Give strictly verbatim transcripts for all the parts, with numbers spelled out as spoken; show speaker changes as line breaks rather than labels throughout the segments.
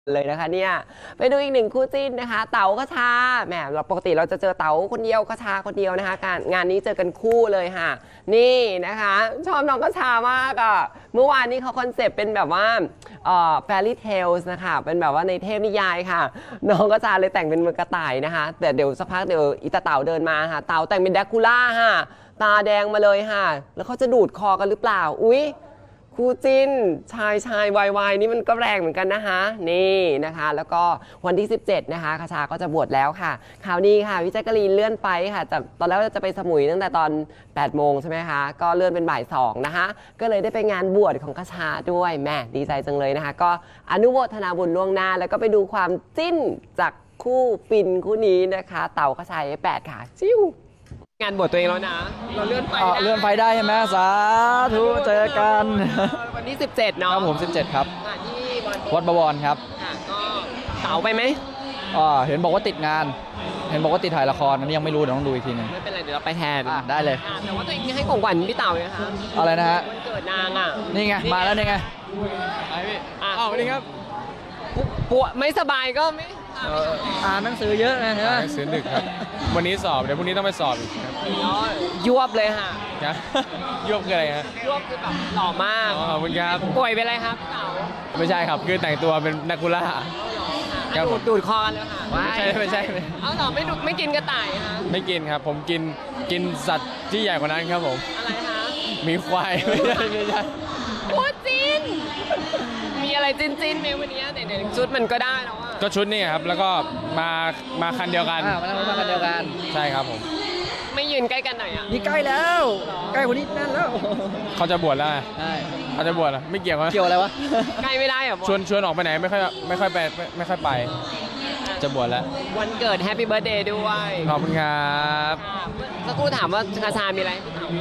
เลยนะคะเนี่ยไปดูอีกหนึ่งคู่จิ้นนะคะเต๋ากระชาแหมเราปกติเราจะเจอเต๋าคนเดียวกระชาคนเดียวนะคะการงานนี้เจอกันคู่เลยค่ะนี่นะคะชอบน้องกระชามากอ่ะเมื่อวานนี้เขาคอนเซปต์เป็นแบบว่าเอ่อ fairy tales นะคะเป็นแบบว่าในเทพนิยายค่ะน้องกระชาเลยแต่งเป็นมือกระต่ายนะคะแต่เดี๋ยวสักพักเดี๋ยวอีตาเต๋าเดินมาค่ะเต๋าแต่งเป็นแดคูล่าค่ะตาแดงมาเลยค่ะแล้วเขาจะดูดคอกันหรือเปล่าอุ๊ยคู่จิ้นชายชายวายวายนี่มันก็แรงเหมือนกันนะคะนี่นะคะแล้วก็วันที่สิบเจ็ดนะคะคชาก็จะบวชแล้วค่ะข่าวนี้ค่ะวิจัยกรีนเลื่อนไปค่ะแต่ตอนแรกจะไปสมุยตั้งแต่ตอนแปดโมงใช่ไหมคะก็เลื่อนเป็นบ่ายสองนะคะก็เลยได้ไปงานบวชของคชาด้วยแม่ดีใจจังเลยนะคะก็อนุโมทนาบุญล่วงหน้าแล้วก็ไปดูความจิ้นจากคู่ฟินคู่นี้นะคะเต่าคชาแปดค่ะจิ้วงานบวชตัวเองแล้วนะเราเลื่อนไป
เลื่อนไฟได้ใช่ไหมสาธุเจอกัน
วันที่สิบเจ็ดเนาะ
ครับผมสิบเจ็ดครับ
ที่
วัดบวรครับ
ก็เต๋าไปไหม
อ๋อเห็นบอกว่าติดงานเห็นบอกว่าติดถ่ายละครอันนี้ยังไม่รู้เดี๋ยวต้องดูอีกทีนึง
ไม่เป็นไรเดี๋ยวเราไปแทน
ได้เลย
แต่ว่าตัวเองให้ของขวัญพี่เต๋าเลยค่ะ
อะไรนะฮะ
วันเกิดนางอ่ะ
นี่ไงมาแล้วนี่ไงไอพี่อ้าวนี่ครับ
ปวดไม่สบายก็ไม่
อ่านหนังสือเยอะนะ
อ่านหนังสือดึกครับวันนี้สอบเดี๋ยวพรุ่งนี้ต้องไปสอบอีกครับ
ยวบเลยค่ะ
ยวบคืออะไรฮะ
ยวบคือแบบหล่อมาก
ขอบคุณครับ
ป่วยเป็นอะไรครับเต๋า
ไม่ใช่ครับคือแต่งตัวเป็นนักกุล่า
ดูดดูดคอกันเลยค่ะ
ไม่ใช่ไม่ใช่
เอาต่อไม่ดูไม่กินกระต่ายค่ะ
ไม่กินครับผมกินกินสัตว์ที่ใหญ่กว่านั้นครับผม
อะไรคะ
มีควายไม่ใช่ไม่ใช่
โอ้จินมีอะไรจินจินไหมวันนี้เดี๋ยวชุดมันก็ได้แล้วอ่ะ
ก็ชุดนี่ครับแล้วก็มามาคันเดียวกัน
อ่ามาทำมาคันเดียวกัน
ใช่ครับผม
ไม่ยืนใกล้กันหน่อยอ่ะ
นี่ใกล้แล้วใกล้กว่านี้นั่นแล้ว
เขาจะบวชแล้ว
ใช่
เขาจะบวชอ่ะไม่เกี่ยว
เกี่ยวอะไรวะ
ใกล้ไม่ได้อ่ะ
ชวนชวนออกไปไหนไม่ค่อยไม่ค่อยไปไม่ค่อยไปจะบวชแล้ว
วันเกิดแฮปปี้เบิร์ธเดย์ด้วย
ขอบคุณครับ
สักครู่ถามว่าคาชามีอะไร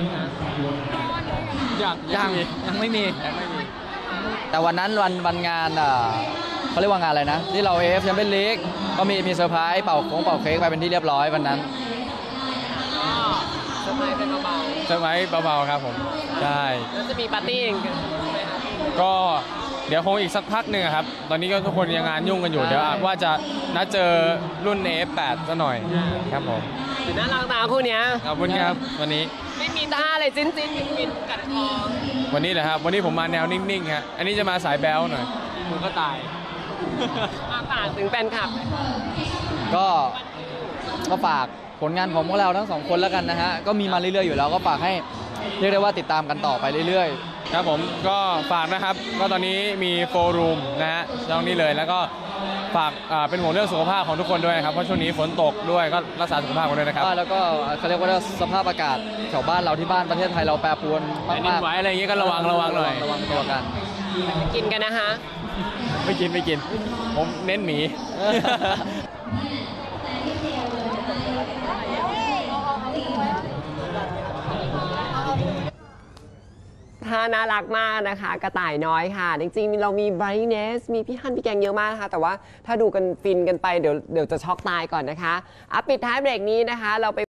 ยังยังยังไม่มีแต่วันนั้นวันวันงานอ่ะเขาเรียกว่างานอะไรนะที่เรา เอ เอฟ แชมเปี้ยนลีกก็มีมีเซอร์ไพรส์เป่าโค้งเป่าเค้กไปเป็นที่เรียบร้อยวันนั้น
เซอร์ไพรส์เป็นเบาๆ
เซอร์ไพรส์เบาๆครับผมใช่
แล้วจะมีปาร์ตี้เองไหมครับ
ก็เดี๋ยวคงอีกสักพักหนึ่งครับตอนนี้ก็ทุกคนยังงานยุ่งกันอยู่เดี๋ยวว่าจะนัดเจอรุ่น เอ เอฟ แปด ซะหน่อยครับผม
น่ารักนะคู่เนี้ย
ขอบคุณครับวันนี้
ไม่มีท่าอะไรจิ้นจิ้นฟินกัดคอ
วันนี้เหรอครับวันนี้ผมมาแนวนิ่งๆฮะอันนี้จะมาสายแบ๊วหน่อย
มือก็ตายมาฝากถึงแฟนคลับ
ก็ก็ฝากผลงานของพวกเราทั้งสองคนแล้วกันนะฮะก็มีมาเรื่อยๆอยู่แล้วก็ฝากให้เรียกได้ว่าติดตามกันต่อไปเรื่อย
ๆครับผมก็ฝากนะครับก็ตอนนี้มีโฟร์รูมนะฮะช่องนี้เลยแล้วก็ฝากเป็นห่วงเรื่องสุขภาพของทุกคนด้วยครับเพราะช่วงนี้ฝนตกด้วยก็รักษาสุขภาพกันด้วยนะครับ
แล้วก็เขาเรียกว่าสภาพอากาศแถวบ้านเราที่บ้านประเทศไทยเราแปรปรวนมาก
ๆไหวอะไรอย่างเงี้ยก็ระวังระวังหน่อย
ระวังตัวกัน
กินกันนะคะ
ไม่กินไม่กินผมเน้นหมี
ท่าน่ารักมากนะคะกระต่ายน้อยค่ะจริงๆเรามีไบรท์เนสมีพี่ฮันพี่แกงเยอะมากนะคะแต่ว่าถ้าดูกันฟินกันไปเดี๋ยวเดี๋ยวจะช็อกตายก่อนนะคะอ่ะปิดท้ายเบรกนี้นะคะเราไป